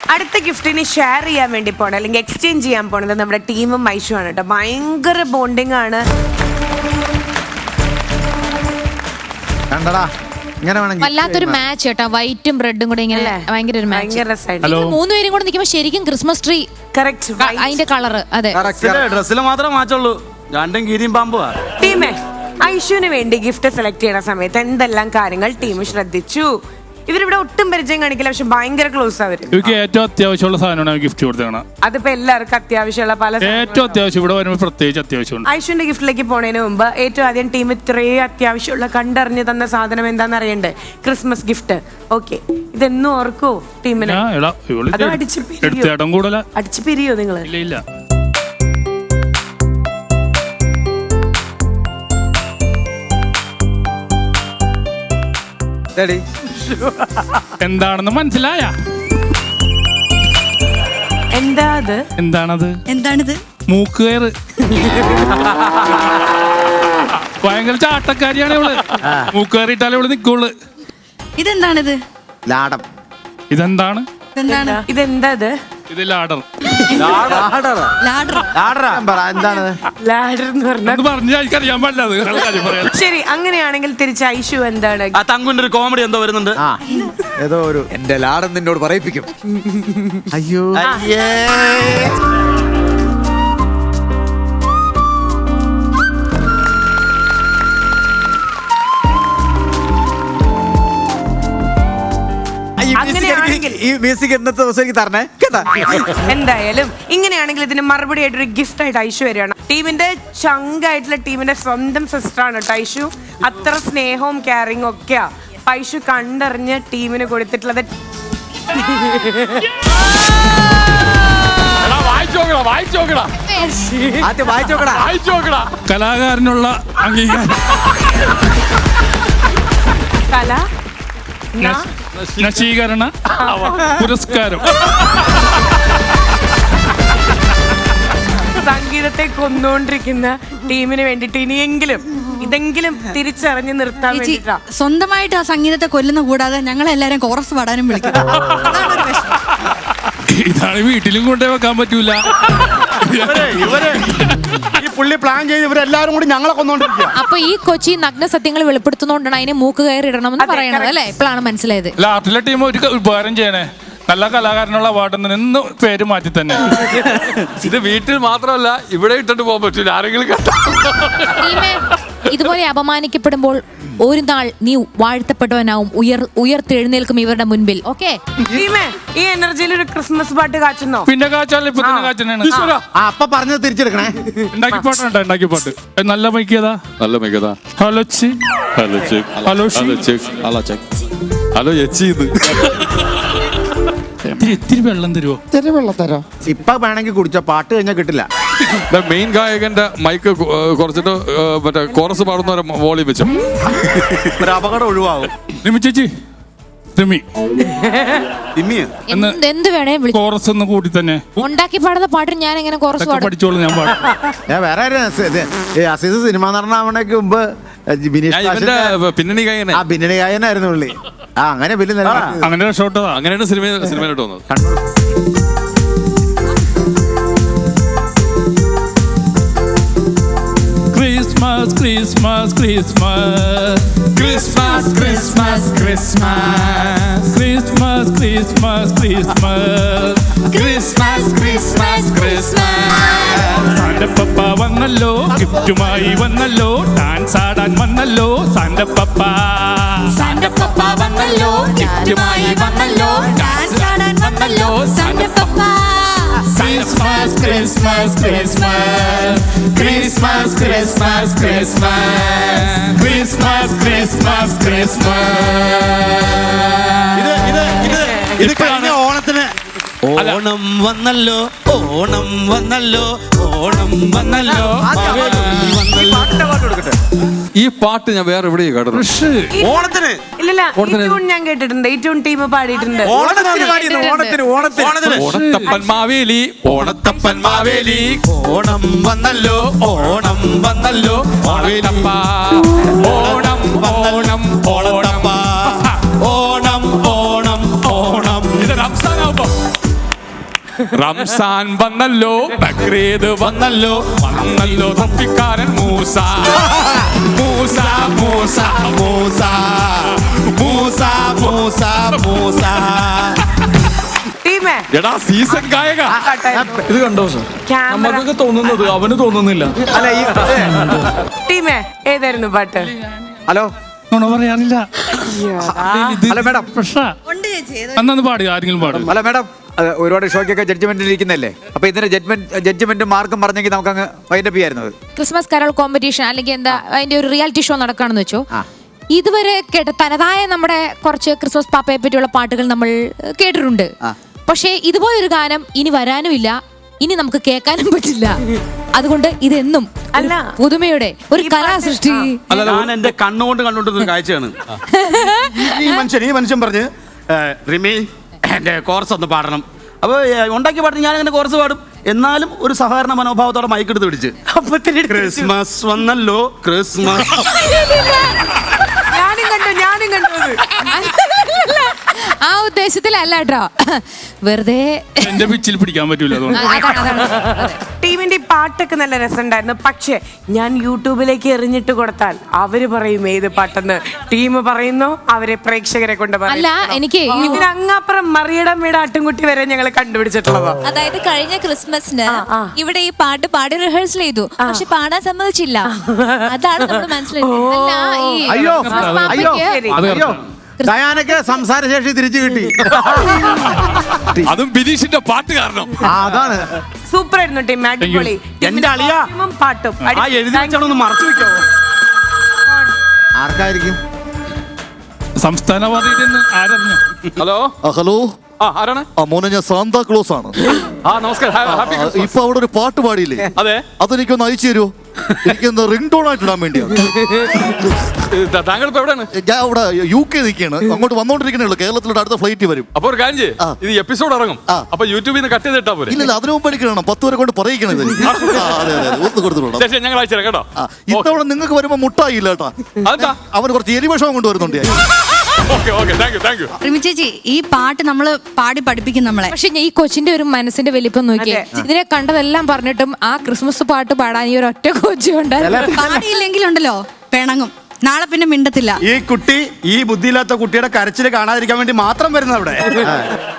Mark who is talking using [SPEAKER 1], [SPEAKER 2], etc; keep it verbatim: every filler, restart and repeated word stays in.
[SPEAKER 1] അടുത്ത ഗിഫ്റ്റിന് ഷെയർ ചെയ്യാൻ വേണ്ടി പോണത് അല്ലെങ്കിൽ എക്സ്ചേഞ്ച് ചെയ്യാൻ പോണത് നമ്മുടെ ടീമും ഐഷു ആണ് കേട്ടോ. ഭയങ്കര ബോണ്ടിങ് ആണ്.
[SPEAKER 2] വല്ലാത്തൊരു മാച്ച് കേട്ടോ, വൈറ്റും റെഡും കൂടെ ഇങ്ങനെ ഭയങ്കര ഒരു മാച്ച്. മൂന്നുപേരും കൂടെ നിൽക്കുമ്പോൾ ശരിക്കും ക്രിസ്മസ് ട്രീ അതിന്റെ കളറ്. അതെ,
[SPEAKER 3] ഡ്രസ്സിൽ മാത്രമേ മാച്ചുള്ളൂ, രണ്ടും കീരിയും പാമ്പുവാ.
[SPEAKER 1] ടീമേ, ഐഷുവിന് വേണ്ടി ഗിഫ്റ്റ് സെലക്ട് ചെയ്യുന്ന സമയത്ത് എന്തെല്ലാം കാര്യങ്ങൾ ടീം ശ്രദ്ധിച്ചു? ഇവരിവിടെ ഒട്ടും പരിചയം കാണിക്കില്ല, പക്ഷെ ഭയങ്കര ക്ലോസ് ആവരും.
[SPEAKER 4] എനിക്ക് ഏറ്റവും അത്യാവശ്യമുള്ള സാധനമാണ് ഗിഫ്റ്റ് കൊടുത്തതാണ്.
[SPEAKER 1] അതിപ്പോ എല്ലാവർക്കും അത്യാവശ്യമുള്ള പല
[SPEAKER 4] ഏറ്റവും അത്യാവശ്യം ഇവിടെ വരുമ്പോൾ പ്രത്യേകിച്ച് അത്യാവശ്യമുണ്ട്.
[SPEAKER 1] ഐഷുവിന്റെ ഗിഫ്റ്റിലേക്ക് പോണതിന് മുമ്പ് ഏറ്റവും ആദ്യം ടീം ഇത്രയും അത്യാവശ്യമുള്ള കണ്ടറിഞ്ഞ് തന്ന സാധനം എന്താന്ന് അറിയണ്ടേ? Christmas gift. ഓക്കെ, ഇതെന്നും ഓർക്കോ ടീമിന്? അടിച്ചു പിരിയോ നിങ്ങള്?
[SPEAKER 4] ഇല്ല ഇല്ല. എന്താണെന്ന് മനസ്സിലായ?
[SPEAKER 1] എന്താ അത്?
[SPEAKER 4] എന്താണത്?
[SPEAKER 5] എന്താണിത്?
[SPEAKER 4] മൂക്കുകയറ്. ഭയങ്കര ചാട്ടക്കാരിയാണ് ഇവള്. മൂക്കുകയറിയിട്ടാലേ ഇവള് നിക്കുള്ളു.
[SPEAKER 5] ഇതെന്താണിത്?
[SPEAKER 6] ലാടം.
[SPEAKER 4] ഇതെന്താണ്?
[SPEAKER 5] എന്താണ്
[SPEAKER 1] ഇതെന്താ?
[SPEAKER 4] ഇത് ലാഡർ. എനിക്കറിയാൻ പാടില്ല.
[SPEAKER 1] ശരി, അങ്ങനെയാണെങ്കിൽ തിരിച്ച് ഐഷു എന്താണ്?
[SPEAKER 3] ആ തങ്കുന്റെ ഒരു കോമഡി എന്തോ വരുന്നുണ്ട്.
[SPEAKER 6] ഏതോ ഒരു എന്റെ ലാടം നിന്നോട് പറയിപ്പിക്കും. അയ്യോ ഈ മ്യൂസിക് ഇന്നത്തെ ദിവസം എനിക്ക് തരണേ കേട്ടാ.
[SPEAKER 1] എന്തായാലും ഇങ്ങനെയാണെങ്കിൽ ഇതിന് മറുപടി ആയിട്ട് ഒരു ഗിഫ്റ്റ് ആയിട്ട് ഐഷു വരികയാണ്. ടീമിന്റെ ചങ്കായിട്ടുള്ള ടീമിന്റെ സ്വന്തം സിസ്റ്റർ ആണ് കേട്ടോ ഐഷു. അത്ര സ്നേഹവും കെയറിങ്ങും ഒക്കെയാ ഐഷു കണ്ടറിഞ്ഞ് ടീമിന് കൊടുത്തിട്ടുള്ളത്.
[SPEAKER 4] കലാകാരനുള്ള അംഗീകാരം.
[SPEAKER 1] കല
[SPEAKER 4] നശീകരണ പുരസ്കാരം.
[SPEAKER 1] സംഗീതത്തെ കൊന്നുകൊണ്ടിരിക്കുന്ന ടീമിന് വേണ്ടിട്ട് ഇനിയെങ്കിലും ഇതെങ്കിലും തിരിച്ചറിഞ്ഞ് നിർത്താൻ വേണ്ടിട്ടാ.
[SPEAKER 5] സ്വന്തമായിട്ട് ആ സംഗീതത്തെ കൊല്ലുന്ന കൂടാതെ ഞങ്ങളെല്ലാരും കോറസ് പാടാനും വിളിക്കും.
[SPEAKER 4] ഇതാണ് വീട്ടിലും കൊണ്ടേ വെക്കാൻ പറ്റൂല.
[SPEAKER 3] ഇവര് ഈ പുള്ളി പ്ലാൻ ചെയ്ത് ഇവരെല്ലാരും കൂടി ഞങ്ങളെ കൊന്നോണ്ടിരിക്കുക.
[SPEAKER 2] അപ്പൊ ഈ കൊച്ചി നഗ്ന സത്യങ്ങൾ വെളിപ്പെടുത്തുന്നോണ്ടാണ് അതിനെ മൂക്ക് കയറി ഇടണമെന്ന് പറയണത് അല്ലേ? ഇപ്പോഴാണ് മനസ്സിലായത്.
[SPEAKER 4] ആർട്ടിലെ ടീം ഒരു ഉപകാരം ചെയ്യണേ, നല്ല കലാകാരനുള്ള അവാർഡ് നിന്ന് പേര് മാറ്റി തന്നെ.
[SPEAKER 7] ഇത് വീട്ടിൽ മാത്രമല്ല ഇവിടെ ഇട്ടിട്ട് പോകാൻ പറ്റൂല, ആരെങ്കിലും
[SPEAKER 2] ഇതുപോലെ അപമാനിക്കപ്പെടുമ്പോൾ ഒരു നാൾ നീ വാഴ്ത്തപ്പെട്ടവനാവും, ഉയർ ഉയർത്തെഴുന്നേൽക്കും ഇവരുടെ മുൻപിൽ. ഓക്കെ,
[SPEAKER 1] ഈ എനർജിയിൽ ഒരു ക്രിസ്മസ് പാട്ട് കാച്ചുന്നോ?
[SPEAKER 4] പിന്നെ കാച്ചാൽ ഇപ്പൊ തന്നെ കാച്ചനാണ്.
[SPEAKER 6] അപ്പൊ പറഞ്ഞത് തിരിച്ചെടുക്കണേ.
[SPEAKER 4] ഉണ്ടാക്കി പാട്ടുണ്ട്, ഉണ്ടാക്കി പാട്ട്. നല്ല മൈക്കതാ,
[SPEAKER 7] നല്ല മൈക്കതാ.
[SPEAKER 4] ഹലോ ചി
[SPEAKER 7] hello check
[SPEAKER 4] hello
[SPEAKER 7] check hello check hello എച്ചി.
[SPEAKER 4] ഇത്തിരി വെള്ളം തരുമോ?
[SPEAKER 6] ഇത്തിരി വെള്ളം തരോ? ഇപ്പൊ വേണമെങ്കിൽ കുടിച്ചോ, പാട്ട് കഴിഞ്ഞാൽ കിട്ടില്ല.
[SPEAKER 7] മെയിൻ ഗായകന്റെ മൈക്ക് കുറച്ചിട്ട് മറ്റേ കോറസ് പാടുന്ന വോളിയം വെച്ചു
[SPEAKER 3] ഒരു അപകടം ഒഴിവാകും.
[SPEAKER 4] റിമി ചേച്ചി, റിമി
[SPEAKER 2] എന്ത് വേണേ
[SPEAKER 4] കോറസ് ഒന്ന് കൂടി തന്നെ
[SPEAKER 2] ഉണ്ടാക്കി പാടുന്ന പാട്ടിന് ഞാൻ എങ്ങനെ കോറസ്
[SPEAKER 4] പഠിച്ചോളൂ. ഞാൻ പാടും.
[SPEAKER 6] ഞാൻ വേറെ അസീസ് സിനിമ നടനാവണേക്ക് മുമ്പ്
[SPEAKER 7] പിന്നണി ഗായകൻ.
[SPEAKER 6] ആ പിന്നണി ഗായനായിരുന്നു പുള്ളി. ആ അങ്ങനെ വലിയ
[SPEAKER 4] അങ്ങനെ ഷോട്ടോ
[SPEAKER 7] അങ്ങനെയാണ് സിനിമ സിനിമയിലോട്ട് വന്നത്.
[SPEAKER 4] Christmas Christmas Christmas
[SPEAKER 7] Christmas Christmas Christmas
[SPEAKER 4] Christmas Christmas Christmas
[SPEAKER 7] Christmas Christmas Christmas
[SPEAKER 4] സാന്റപ്പ വന്നല്ലോ, ഗിഫ്റ്റുമായി വന്നല്ലോ, ഡാൻസ് ആടാൻ വന്നല്ലോ. സാന്റപ്പ
[SPEAKER 2] സാന്റപ്പ വന്നല്ലോ, ഗിഫ്റ്റുമായി വന്നല്ലോ, ഡാൻസ് ആടാൻ വന്നല്ലോ. സാന്റപ്പ
[SPEAKER 7] Christmas, Christmas, Christmas, Christmas, Christmas, Christmas, Christmas, Christmas, Christmas.
[SPEAKER 3] ഇത് ഇത് ഇത് ഇത് കഴിഞ്ഞ ഓണത്തിന് ഓണം വന്നല്ലോ, ഓണം വന്നല്ലോ, ഓണം വന്നല്ലോ.
[SPEAKER 7] ഈ പാട്ട് ഞാൻ വേറെ എവിടെയും കേട്ടത്.
[SPEAKER 3] ഓണത്തിന്
[SPEAKER 1] ഇല്ലല്ല, ഞാൻ കേട്ടിട്ടുണ്ട്. ഈ ട്യൂൺ ടീം പാടിയിട്ടുണ്ട്.
[SPEAKER 3] ഓണത്തിന് ഓണത്തിന്
[SPEAKER 7] ഓണത്തപ്പൻ മാവേലി, ഓണത്തപ്പൻ മാവേലി,
[SPEAKER 3] ഓണം വന്നല്ലോ, ഓണം വന്നല്ലോ,
[SPEAKER 7] ഓണത്തപ്പ ഓണം ഓണം ഓണത്തപ്പ
[SPEAKER 3] ഓണം ഓണം ഓണം.
[SPEAKER 7] ഇത് റംസാനാവുമ്പോ റംസാൻ വന്നല്ലോ, ബക്രീദ് വന്നല്ലോ, വന്നല്ലോ തപ്പിക്കാരൻ മൂസ. മൂസ മൂസ
[SPEAKER 3] മൂസ മൂസ മൂസ മൂസ.
[SPEAKER 1] ടീമേ
[SPEAKER 7] എടാ സീസൺ ഗായക.
[SPEAKER 8] ഇത് കണ്ടോ സർ,
[SPEAKER 1] ക്യാമറ
[SPEAKER 8] നമുക്കൊക്കെ തോന്നുന്നത് അവന് തോന്നുന്നില്ല.
[SPEAKER 6] അല്ല ഈ
[SPEAKER 1] ടീമേ ഏതായിരുന്നു പാട്ട്?
[SPEAKER 6] ഹലോ
[SPEAKER 4] നുണ പറയാനില്ല.
[SPEAKER 6] Hello madam.
[SPEAKER 4] പ്രശ്ന അന്നു പാടി, ആരെങ്കിലും പാടും.
[SPEAKER 6] അല്ല മാഡം, അത് ഒരുപാട് ഷോയ്ക്കൊക്കെ ജഡ്ജ്മെന്റിൽ ഇരിക്കുന്നല്ലേ, അപ്പൊ ഇതിന്റെ ജഡ്ജ്മെന്റ് ജഡ്ജ്മെന്റും മാർക്കും പറഞ്ഞെങ്കിൽ നമുക്ക് അങ്ങ് വൈൻഡപ്പ് ചെയ്യായിരുന്നത്.
[SPEAKER 2] ക്രിസ്മസ് കരോൾ കോമ്പറ്റീഷൻ അല്ലെങ്കിൽ എന്താ അതിന്റെ ഒരു റിയാലിറ്റി ഷോ നടക്കുകയാണെന്ന് വെച്ചോ. ഇതുവരെ കേട്ട തനതായ നമ്മുടെ കുറച്ച് ക്രിസ്മസ് പാപ്പയെ പറ്റിയുള്ള പാട്ടുകൾ നമ്മൾ കേട്ടിട്ടുണ്ട്. പക്ഷേ ഇതുപോലൊരു ഗാനം ഇനി വരാനുമില്ല, ഇനി നമുക്ക് കേൾക്കാനും പറ്റില്ല. അതുകൊണ്ട് ഇതെന്നും
[SPEAKER 1] അല്ല,
[SPEAKER 2] പുതുമയുടെ ഒരു കലാസൃഷ്ടി.
[SPEAKER 3] ഞാൻ എന്റെ കണ്ണുകൊണ്ട് കണ്ടുകൊണ്ടിരുന്ന കാഴ്ചയാണ്. ഈ മനുഷ്യൻ ഈ മനുഷ്യൻ പറഞ്ഞ് റിമി എന്റെ കോർസ് ഒന്ന് പാടണം. അപ്പൊ ഉണ്ടാക്കി പാടും, ഞാൻ അങ്ങനെ കോർസ് പാടും. എന്നാലും ഒരു സഹകരണ മനോഭാവത്തോടെ മൈക്കെടുത്ത് പിടിച്ച് ക്രിസ്മസ് വന്നല്ലോ ക്രിസ്മസ്.
[SPEAKER 1] ഞാനും കണ്ടു ഞാനും കണ്ടു
[SPEAKER 2] ആ ഉദ്ദേശത്തിലല്ല കേട്ടോ, വെറുതെ
[SPEAKER 4] എന്റെ പിച്ചിൽ പിടിക്കാൻ പറ്റൂല, അതുകൊണ്ട്.
[SPEAKER 2] അതാണ്, അതാണ്.
[SPEAKER 1] ടീമിന്റെ ഈ പാട്ടൊക്കെ നല്ല രസമുണ്ടായിരുന്നു. പക്ഷെ ഞാൻ യൂട്യൂബിലേക്ക് എറിഞ്ഞിട്ട് കൊടുത്താൽ അവര് പറയും ഏത് പാട്ടെന്ന്. ടീം പറയുന്നു, അവരെ പ്രേക്ഷകരെ കൊണ്ട് പറയും.
[SPEAKER 2] അല്ല, എനിക്ക് ഈ-
[SPEAKER 1] ഇതിന് അങ്ങാപ്പുറം മറിയടമ്മയുടെ ആട്ടുംകുട്ടി വരെ ഞങ്ങൾ കണ്ടുപിടിച്ചിട്ടുള്ളതാ.
[SPEAKER 9] അതായത് കഴിഞ്ഞ ക്രിസ്മസിന് ഇവിടെ ഈ പാട്ട് പാടി റിഹേഴ്സൽ ചെയ്തു, പക്ഷെ പാടാൻ സമ്മതിച്ചില്ല. അതാണ് നമ്മൾ മനസ്സിലായത്.
[SPEAKER 2] അല്ല, ഈ
[SPEAKER 6] അയ്യോ
[SPEAKER 2] ക്രിസ്മസ്
[SPEAKER 6] അയ്യോ
[SPEAKER 2] പാപ്പയ്ക്ക്
[SPEAKER 4] അത്
[SPEAKER 6] അയ്യോ ഡയാനക്ക് സംസാരശേഷി തിരിച്ചു കിട്ടി.
[SPEAKER 7] അതും ബിനീഷിന്റെ പാട്ട് കാരണം.
[SPEAKER 6] ആ, അതാണ്.
[SPEAKER 1] സൂപ്പർ ആയിരുന്നു ടീം, അടിപൊളി.
[SPEAKER 3] എന്റെ അളിയാ,
[SPEAKER 1] ടീമും പാട്ടും
[SPEAKER 3] ആ എഴുതി വെച്ചാലൊന്ന് മറച്ചു വെക്കോ.
[SPEAKER 6] ആർക്കായിരിക്കും?
[SPEAKER 4] സംസ്ഥാന പാതയിൽ ആരറിഞ്ഞു?
[SPEAKER 7] ഹലോ
[SPEAKER 10] ഹലോ,
[SPEAKER 7] ആ ആരാണ്?
[SPEAKER 10] ആ മോനെ, ഞാൻ സാന്താ ക്ലോസ് ആണ്.
[SPEAKER 7] ആ നമസ്കാരം. ഹാ- ഹാപ്പി
[SPEAKER 10] ആ,
[SPEAKER 7] ക്രിസ്മസ്.
[SPEAKER 10] ഇപ്പൊ അവിടെ ഒരു പാട്ട് പാടിയില്ലേ,
[SPEAKER 7] അതെ,
[SPEAKER 10] അതെനിക്കൊന്ന് അയച്ചു തരുമോ? എനിക്കൊന്ന് റിംഗ് ടോൺ ആയിട്ട് ഇടാൻ വേണ്ടിയാണ്.
[SPEAKER 7] ത- താങ്കൾ ഇപ്പൊ എവിടെയാണ്?
[SPEAKER 10] ഞാൻ അവിടെ യു കെ നിൽക്കുകയാണ്, അങ്ങോട്ട് വന്നോണ്ടിരിക്കണേ ഉള്ളൂ. കേരളത്തിലോട്ട് അടുത്ത ഫ്ലൈറ്റ് വരും.
[SPEAKER 7] അപ്പൊ ഒരു കാര്യം ചെയ്യ്,
[SPEAKER 10] ആ.
[SPEAKER 7] ഇത് എപ്പിസോഡ് ഇറങ്ങും.
[SPEAKER 10] ആ.
[SPEAKER 7] അപ്പൊ യൂട്യൂബിൽ നിന്ന് കട്ട് ചെയ്തിട്ടാ പോലെ.
[SPEAKER 10] ഇല്ലല്ല, അതിനു മുമ്പ് എനിക്ക് വേണം, പത്ത് വരെ കൊണ്ട് പറയിക്കണത്. ആ, അതെ അതെ അതെ, ഒന്ന് കൊടുത്തോളാം.
[SPEAKER 7] ശരി, ഞങ്ങൾ അയച്ചു തരാം കേട്ടോ.
[SPEAKER 10] ഇത്തവണ നിങ്ങൾക്ക് വരുമ്പോ മുട്ടായി ഇല്ല കേട്ടാ.
[SPEAKER 7] അതെന്താ?
[SPEAKER 10] അവന് കുറച്ച് എരിവശം കൊണ്ടുവരുന്നുണ്ട്.
[SPEAKER 7] Okay okay, thank you thank you.
[SPEAKER 5] Rimi ചേച്ചി, ഈ പാട്ട് നമ്മള് പാടി പഠിപ്പിക്കും നമ്മളെ.
[SPEAKER 2] പക്ഷെ ഈ കൊച്ചിന്റെ ഒരു മനസ്സിന്റെ വലിപ്പം നോക്കിയേ. ഇതിനെ കണ്ടതെല്ലാം പറഞ്ഞിട്ടും ആ ക്രിസ്മസ് പാട്ട് പാടാൻ ഈ ഒരു ഒറ്റ കൊച്ചു ഉണ്ടായിരുന്നു.
[SPEAKER 5] പാടിയില്ലെങ്കിലുണ്ടല്ലോ പിണങ്ങും, നാളെ പിന്നെ മിണ്ടത്തില്ല.
[SPEAKER 3] ഈ കുട്ടി ഈ ബുദ്ധിയില്ലാത്ത കുട്ടിയുടെ കരച്ചിൽ കാണാതിരിക്കാൻ വേണ്ടി മാത്രം വരുന്നത് അവിടെ.